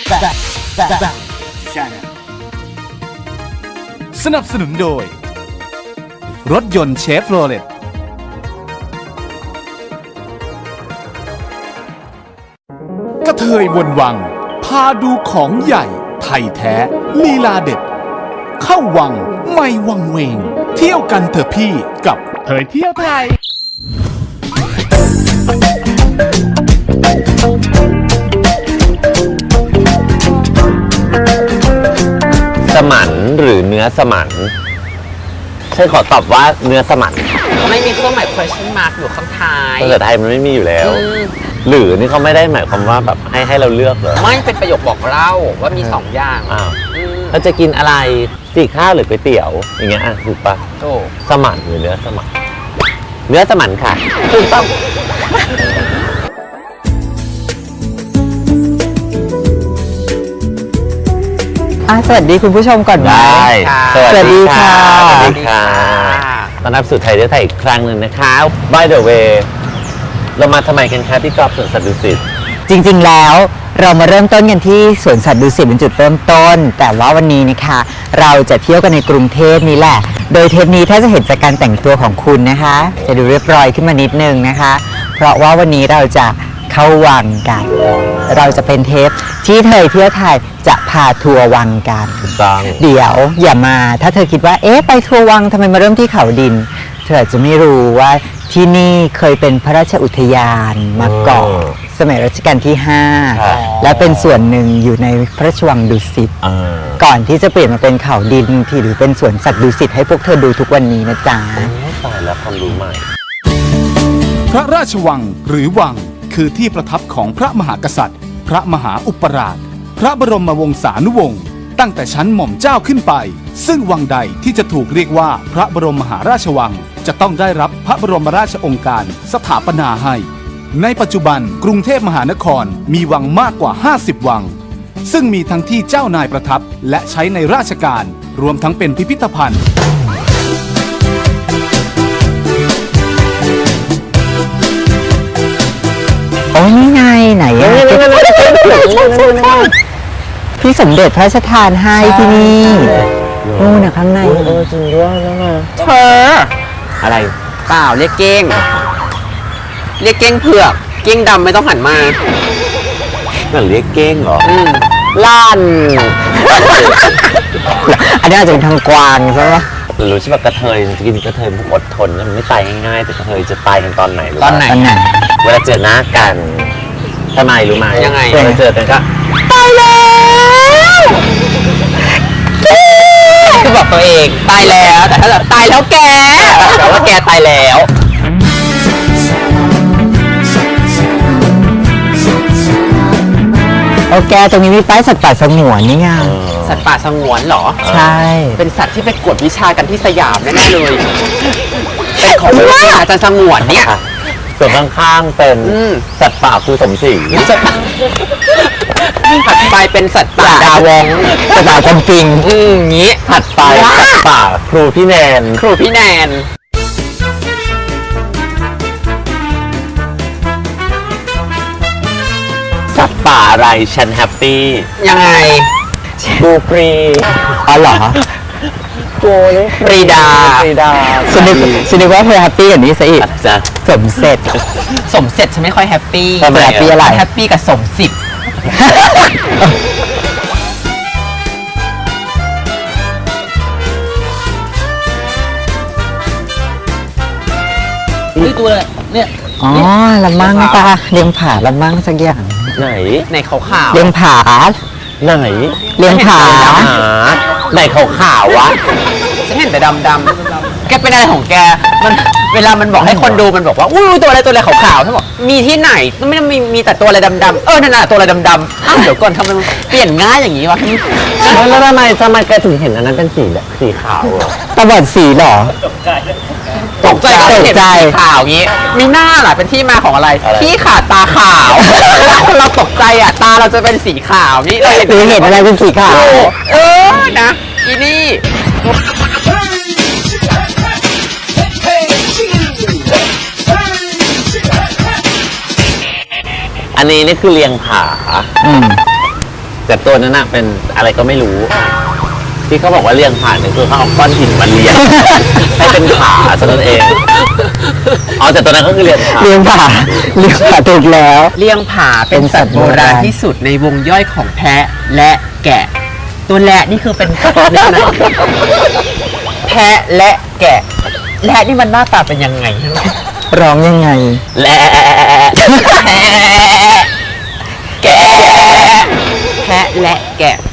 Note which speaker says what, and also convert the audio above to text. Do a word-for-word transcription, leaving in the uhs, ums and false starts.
Speaker 1: สนับสนุนโดยรถยนต์เชฟโรเลตกระเทยวนวังพาดูของใหญ่ไทยแท้ลีลาเด็ดเข้าวังไม่วังเวงเที่ยวกันเถอะพี่กับเทยเที่ยวไทย
Speaker 2: สมันหรือเนื้อสมันฉันขอตอบว่าเนื้อสมัน
Speaker 3: ไม่มีเครื่องหมาย question mark อยู่ข้างท้าย
Speaker 2: ภาษาไทยมันไม่มีอยู่แล้วหรือนี่เขาไม่ได้หมายความว่าแบบให้ให้เราเลือกเหรอ
Speaker 3: ไม่เป็นประโยคบอกเล่าว่ามีสองอย่าง
Speaker 2: อ้าวเราจะกินอะไรจีข้าวหรือก๋วยเตี๋ยวอย่างเงี้ยอ่ะถูกปะ
Speaker 3: ถูก
Speaker 2: สมันหรือเนื้อสมันเนื้อสมันค่ะถูกต้อง
Speaker 4: สวัสดีคุณผู้ชมก่อน
Speaker 2: ได้
Speaker 4: สวัสดีค่ะ
Speaker 2: สวัสดีค่ะต้อนรับสู่ไทยเที่ยวไทยอีกครั้งหนึ่งนะคะ By the way เรามาทำไมกันคะที่กอล์ฟสวนสัตว์ดุสิต
Speaker 4: จริงๆแล้วเรามาเริ่มต้นกันที่สวนสัตว์ดุสิตเป็นจุดเริ่มต้นแต่ว่าวันนี้นะคะเราจะเที่ยวกันในกรุงเทพนี่แหละโดยเทปนี้ถ้าจะเห็นจากการแต่งตัวของคุณนะคะจะดูเรียบร้อยขึ้นมานิดนึงนะคะเพราะว่าวันนี้เราจะเข้าวังกันเราจะเป็นเทปที่เธอเที่ยวไทยจะพาทัวร์วังกันเดี๋ยวอย่ามาถ้าเธอคิดว่าเอ๊ะไปทัวร์วังทำไมมาเริ่มที่เขาดินเธออาจจะไม่รู้ว่าที่นี่เคยเป็นพระราชอุทยานมาก่อนสมัยรัชกาลที่ห้าและเป็นส่วนหนึ่งอยู่ในพระราชวังดุสิตก่อนที่จะเปลี่ยนมาเป็นเขาดินที่หรือเป็นสวนสัตว์ดุสิตให้พวกเธอดูทุกวันนี้นะจ๊ะ
Speaker 2: ตายแล้วความรู้ใหม่
Speaker 1: พระราชวังหรือวังคือที่ประทับของพระมหากษัตริย์พระมหาอุปราชพระบรมวงศานุวงศ์ตั้งแต่ชั้นหม่อมเจ้าขึ้นไปซึ่งวังใดที่จะถูกเรียกว่าพระบรมมหาราชวังจะต้องได้รับพระบรมราชโองการสถาปนาให้ในปัจจุบันกรุงเทพมหานครมีวังมากกว่าห้าสิบวังซึ่งมีทั้งที่เจ้านายประทับและใช้ในราชการรวมทั้งเป็นพิพิธภัณฑ์
Speaker 4: โอ้ยนี่ไงไหนอะพี่สมเด็จพระราชทานให้ที่นี่นู่นนะข้างใน
Speaker 2: เออจริงด้วยแล้วไง
Speaker 3: เธอ
Speaker 2: อะไร
Speaker 3: เปล่าเรียกเก้งเรียกเก้งเผือกเก้งดำไม่ต้องหันมา
Speaker 2: นั่นเรียกเก้งเหรอ
Speaker 3: ล้าน
Speaker 4: อันนี้อาจจะเป็นทางกวางใช่ไหม
Speaker 2: รู้ใช่ไหมกระเทยจะกินกระเทยมันอดทนมันไม่ตายง่ายๆแต่กระเทยจะตายกันตอนไหน
Speaker 3: ตอนไหน
Speaker 2: เวลาเจอหน้ากันทำไมรู้ไหม
Speaker 3: ยังไง
Speaker 2: เวลาเจอกันก็
Speaker 3: ตายแล้วคือบอกตัวเองตายแล้วแต่ถ้าแบบตายแล้วแกแต่ว่าแกตายแล้ว
Speaker 4: โอเคตรงนี้มีป้ายสัตว์ป่าสงวนนี่ไง
Speaker 3: สัตว์ป่าสงวนเหรอ
Speaker 4: ใช่
Speaker 3: เป็นสัตว์ที่ไปกวดวิชากันที่สยามแน่ๆเลยเป็นของวิชาจะสงวนเนี่ย
Speaker 2: ส่วนข้างๆเป็นสัตว์ป่าครูสมศรี
Speaker 3: ถัดไปเป็นสัตว์ป่าดาวง
Speaker 4: สัตว์ป่าจำปิง
Speaker 3: อืมงี้
Speaker 2: ถัดไปสัตว์ป่าครูพี่แนน
Speaker 3: ครูพี่แนน
Speaker 2: สัตว์ป่าอะไรฉันแฮปปี้
Speaker 3: ยังไง
Speaker 2: กูปรี
Speaker 4: อ๋อเหรอ
Speaker 2: กูนี่
Speaker 3: ปรีดา
Speaker 2: ปรีดา
Speaker 4: ฉันนึกฉันนึกว่าเธอแฮปปี้อย่างนี้สิ
Speaker 2: จะ
Speaker 4: สมเสร็จ
Speaker 3: สมเสร็จฉันไม่ค่อยแฮปปี้
Speaker 4: แฮปปี้อะไร
Speaker 3: แฮปปี้กับสมสิบนี่ตัวอะไรเนี่ย
Speaker 4: อ๋อละมั่งปะเลี้ยงผาละมั่งสักอย่าง
Speaker 2: ไหน
Speaker 3: ในขาวขาว
Speaker 4: เลี้ยงผา
Speaker 2: ไหน
Speaker 4: เลี้ยงผา
Speaker 2: ไหนขาวขาววะ
Speaker 3: ฉันเห็นแต่ดำดำแกเป็นอะไรของแกมันเวลามันบอกให้คนดูมันบอกว่าอุ้ยตัวอะไรตัวอะไรขาวขาวฉันบอกมีที่ไหนมันไม่ได้มีมีแต่ตัวอะไรดำดำเออนั่นน่ะตัวอะไรดำดำอ้าวเดี๋ยวก่อนทำไมมันเปลี่ยนง่ายอย่างนี้วะ
Speaker 2: แล้วทำไมทำไมแกถึงเห็นอันนั้นเป็นสีแบบสีขาว
Speaker 4: ตาบอดสีหรอ
Speaker 3: ตกใจตกใจข่าวงี้มีหน้าหล่ะเป็นที่มาของอะไรที่ขาดตาขาวเวลาคนเราตกใจอ่ะตาเราจะเป็นสีขาวนี่เราเห็น
Speaker 4: เห็นอะไรเป็นสีขาว
Speaker 3: เออนะอีนี่
Speaker 2: อันนี้นี่คือเลียงผาแต่ตัวนั้นน่ะเป็นอะไรก็ไม่รู้ ที่เขาบอกว่าเลี้ยงผ่านเนี่ยคือเขาเอาก้อนหินมาเลี้ยง ให้เป็นขาเท่านั้นเองอ๋อแต่ตัวนั้นก็คือเลี้ยงขา
Speaker 4: เลี้ยงผาเลี้ยงผาถูกแล้ว
Speaker 3: เลี้ยงผาเป็นสัตว์โบราณที่สุดในวงย่อยของแพะและแกะ ตัวแระนี่คือเป็นเนี่ยนะแพะและแกะแระนี่มันหน้าตาเป็นยังไง
Speaker 4: ร้องยังไง
Speaker 2: และ
Speaker 3: แกะแพะและแกะ